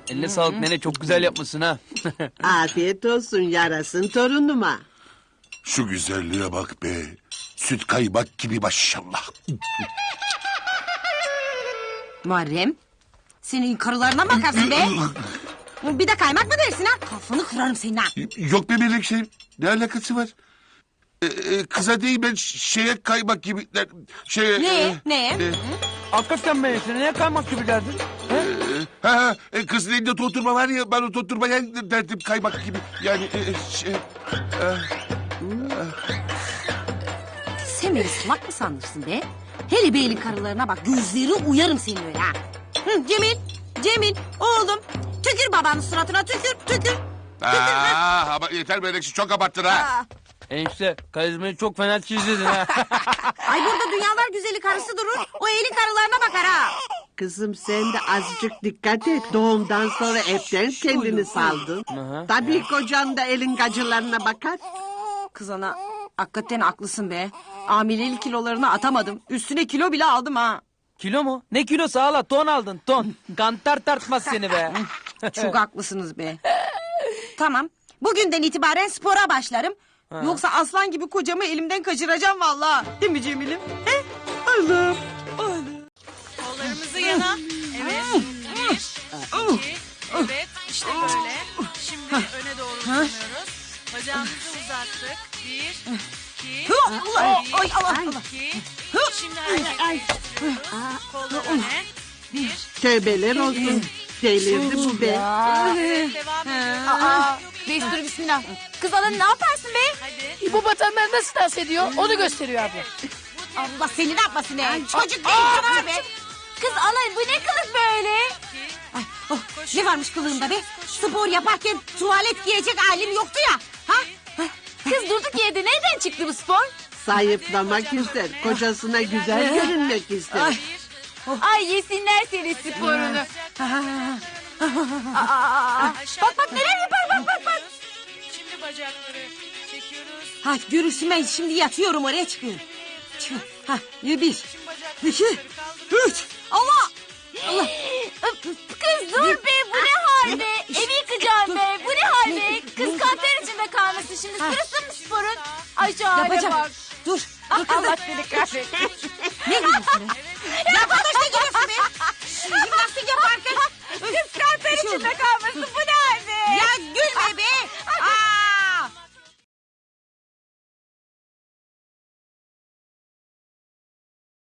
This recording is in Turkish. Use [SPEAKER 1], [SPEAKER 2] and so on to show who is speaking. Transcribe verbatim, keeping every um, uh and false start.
[SPEAKER 1] Eline sağlık nene, çok güzel yapmışsın ha.
[SPEAKER 2] Afiyet olsun yarasın torunuma.
[SPEAKER 3] Şu güzelliğe bak be. Süt kaymak gibi maşallah.
[SPEAKER 4] Muharrem, senin karılarına mı bakarsın be? Bir de kaymak mı dersin ha? Kafanı kırarım senin ha.
[SPEAKER 3] Yok be Melekşe. Ne alakası var? Ee, e, kıza değil ben ş- şeye kaymak gibi... Şeye,
[SPEAKER 4] Ne?
[SPEAKER 3] e,
[SPEAKER 4] Ne?
[SPEAKER 3] e,
[SPEAKER 1] Hakikaten Melek'sin, neye kaymak gibi derdin?
[SPEAKER 3] e, ha, ha, e, kızın elinde toturma var ya, ben o toturmaya derdim kaymak gibi. Yani e, şey...
[SPEAKER 4] Sen beni salak mı sanırsın be? Hele beyli karılarına bak, gözleri uyarım senin öyle ha. Hı, Cemil, Cemil, oğlum. Tükür babanın suratına, tükür, tükür.
[SPEAKER 3] Aa, ama yeter Melekşe, çok abarttın ha.
[SPEAKER 4] Aa,
[SPEAKER 1] Enişte, karizmayı çok fena çizdin ha.
[SPEAKER 4] ay burada dünyalar güzeli karısı durur, o elin karılarına bakar ha.
[SPEAKER 2] Kızım sen de azıcık dikkat et. Doğumdan sonra hepten kendini saldın.
[SPEAKER 1] Aha.
[SPEAKER 2] Tabii kocan da elin gacılarına bakar.
[SPEAKER 4] Kız ana, hakikaten haklısın be. Hamilelik kilolarını atamadım. Üstüne kilo bile aldım ha.
[SPEAKER 1] Kilo mu? Ne kilosu hala? Ton aldın, ton. Kantar tartmaz seni be.
[SPEAKER 4] Çok haklısınız be. Tamam. Bugünden itibaren spora başlarım. Yoksa aslan gibi kocamı elimden kaçıracağım vallahi. Değil mi Cemil'im? He? Allah'ım.
[SPEAKER 5] Kollarımızı yana. Evet. Bir, iki, evet. İşte böyle. Şimdi öne doğru uzanıyoruz. Bacağımızı uzattık. Bir, iki,
[SPEAKER 4] Allah,
[SPEAKER 5] bir,
[SPEAKER 4] ay, Allah, Allah.
[SPEAKER 5] iki. Şimdi hareketleri getiriyoruz. Kollar öne. Bir,
[SPEAKER 2] Tövbeler olsun. Delirdi bu be.
[SPEAKER 5] evet, devam ediyoruz.
[SPEAKER 6] Aa, destur bismillah. Kız ana ne yaparsın be?
[SPEAKER 5] Hadi.
[SPEAKER 6] İbo batanları nasıl dans ediyor? Onu gösteriyor abi.
[SPEAKER 4] Allah seni ne yapmasın be? Çocuk değil çocuk be.
[SPEAKER 6] Kız ana bu ne kılık böyle?
[SPEAKER 4] Ay, oh, ne varmış kılığımda be? Spor yaparken tuvalet giyecek halim yoktu ya. Ha?
[SPEAKER 6] Kız durduk yerde nereden çıktı bu spor?
[SPEAKER 2] Zayıflamak ister. Kocasına güzel görünmek ister.
[SPEAKER 6] Ay yesinler senin sporunu. Aa, bak bak neler yapar bak bak bak.
[SPEAKER 5] Şimdi bacakları çekiyoruz.
[SPEAKER 4] Ha görürsün ben şimdi yatıyorum oraya çıkıyorum. Çık. Ha bir,
[SPEAKER 5] Şimdi bacakları
[SPEAKER 4] iki,
[SPEAKER 5] yukarı kaldırıyoruz.
[SPEAKER 4] üç,